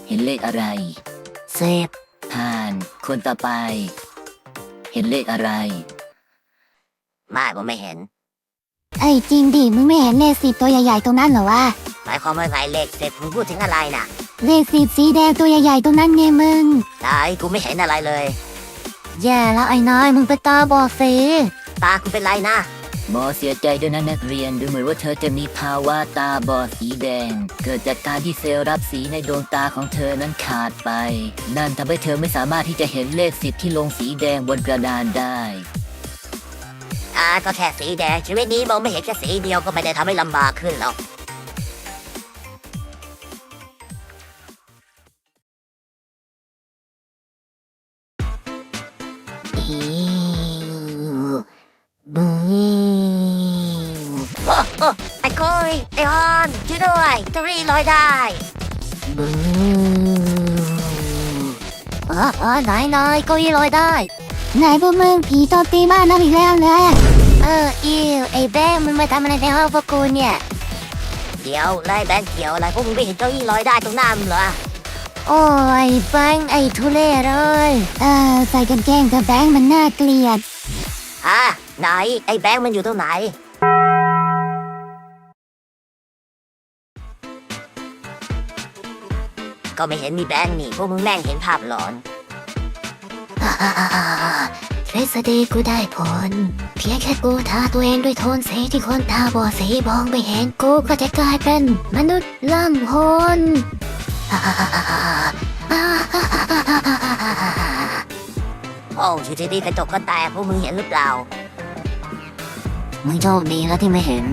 เห็นเลขอะไร 10 ผ่านคนต่อไป เห็นเลขอะไรไม่ผมไม่เห็นไอ้จริงดิมึงไม่เห็นเลข10ตัวใหญ่ๆตรงนั้นเหรอวะหมายความว่าไงเลข10มึงพูดถึงอะไรน่ะเลข10สีแดงตัวใหญ่ๆตรงนั้นไงมึงไหนกูไม่เห็นอะไรเลยแย่แล้วไอ้น้อยมึงไปตาบอดสิตากูเป็นไรนะหมอเสียใจด้วยนะนักเรียนดูเหมือนว่าเธอจะมีภาวะตาบอดสีแดงเกิดจากการที่เซลล์รับสีในดวงตาของเธอนั้นขาดไปนั่นทำให้เธอไม่สามารถที่จะเห็นเลข10ที่ลงสีแดงบนกระดานได้ก็แค่สีแดงชีวิตนี้มองไม่เห็นแค่สีเดียวก็ไม่ได้ทำให้ลำบากขึ้นหรอกไอ้โก้ยไอ้ฮอนช่วยด้วยเกาหลีลอยได้ไหนเก้าอี้ลอยได้ไหนพวกมึงผีตบตีบ้านน้ำอีกแล้วเลยอิวไอ้แบงค์มันมาทำอะไรในห้องพวกกูเนี่ยเดี๋ยวไล่แบงค์เขียวอะไรพวกมึงไม่เห็นเก้าอี้ลอยได้ตรงหน้ามึงเหรอโอ้ยแบงค์ไอ้ทุเรศเลยใส่กางเกงกับแบงค์มันน่าเกลียดไหนไอ้แบงค์มันอยู่ตรงไหนก็ไม่เห็นมีแบงค์นี่พวกมึงแม่งเห็นภาพหลอนทฤษฎีกูได้ผลเพียงแค่กูทาตัวเองด้วยโทนสีที่คนตาบอดสีมองไม่เห็นกูก็จะกลายเป็นมนุษย์ล่ำโหนโอ้อยู่ดีๆกระจกก็แตกพวกมึงเห็นหรือเปล่ามึงโชคดีแล้วที่ไม่เห็น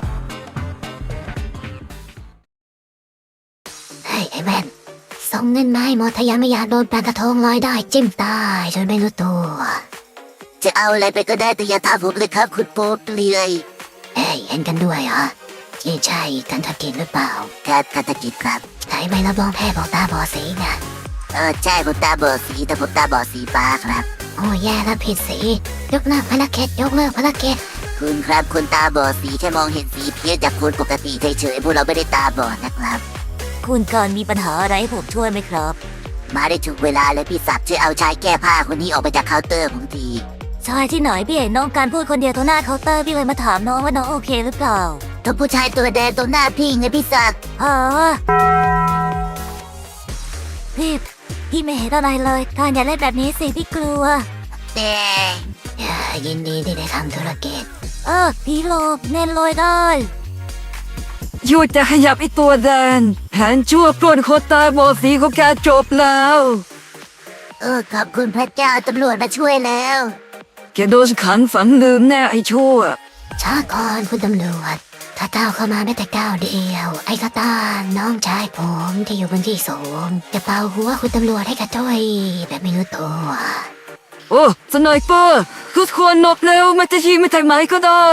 เฮ้ยไอ้แม่นส่งเงินมาให้หมดทะยานไม่อยากโดนปลากระทงลอยได้จิ้มตายจนไม่รู้ตัวจะเอาอะไรไปก็ได้แต่อย่าทำผมเลยครับคุณโป๊ปเลยเห็นกันด้วยเหรอที่ใช่กันทกิจหรือเปล่าครับกันทกิจครับไหนไม่รับรองแพทย์บอกตาบอดสีไงใช่ผมตาบอดสีแต่ผมตาบอดสีฟ้าครับโอ้แย่แล้วผิดสียกเลิกภารกิจยกเลิกภารกิจคุณครับคนตาบอดสีแค่มองเห็นสีเพี้ยนจากคนปกติเฉยๆพวกเราไม่ได้ตาบอดนะครับคุณก่อนมีปัญหาอะไรให้ผมช่วยไหมครับมาได้ถูกเวลาเลยพี่ศักดิ์ช่วยเอาชายแก้ผ้าคนนี้ออกไปจากเคาน์เตอร์ผมทีชายที่ไหนพี่เห็นน้องการพูดคนเดียวตรงหน้าเคาน์เตอร์พี่เลยมาถามน้องว่าน้องโอเคหรือเปล่าตัวผู้ชายตัวแดงตรงหน้าพี่ไงพี่ศักดิ์พี่ไม่เห็นอะไรเลยการอย่าเล่นแบบนี้สิพี่กลัวแต่ยินดีที่ได้ทำธุรกิจพี่โลบเน้นลอยได้หยุดจะขยับไอตัวแดงแผนชั่วปล้นคนตาบอดสีของแกจบแล้วขอบคุณพระเจ้าตำรวจมาช่วยแล้วแกโดนขังฝังลืมแน่ไอชั่วช้าก่อนคุณตำรวจถ้าก้าวเข้ามาไม่แต่ก้าวเดียวไอ้กระตาน้องชายผมที่อยู่บนที่สูงจะเป่าหัวคุณตำรวจให้กระจ้อยแบบไม่รู้ตัวโอ้สไนเปอร์ทุกคนนบเร็วมันจะยิงไม่ถึงไหมก็ได้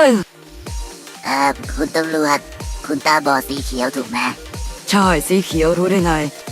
คุณตำรวจคุณตาบอดสีเขียวถูกไหมใช่สีเขียวรู้ได้ไง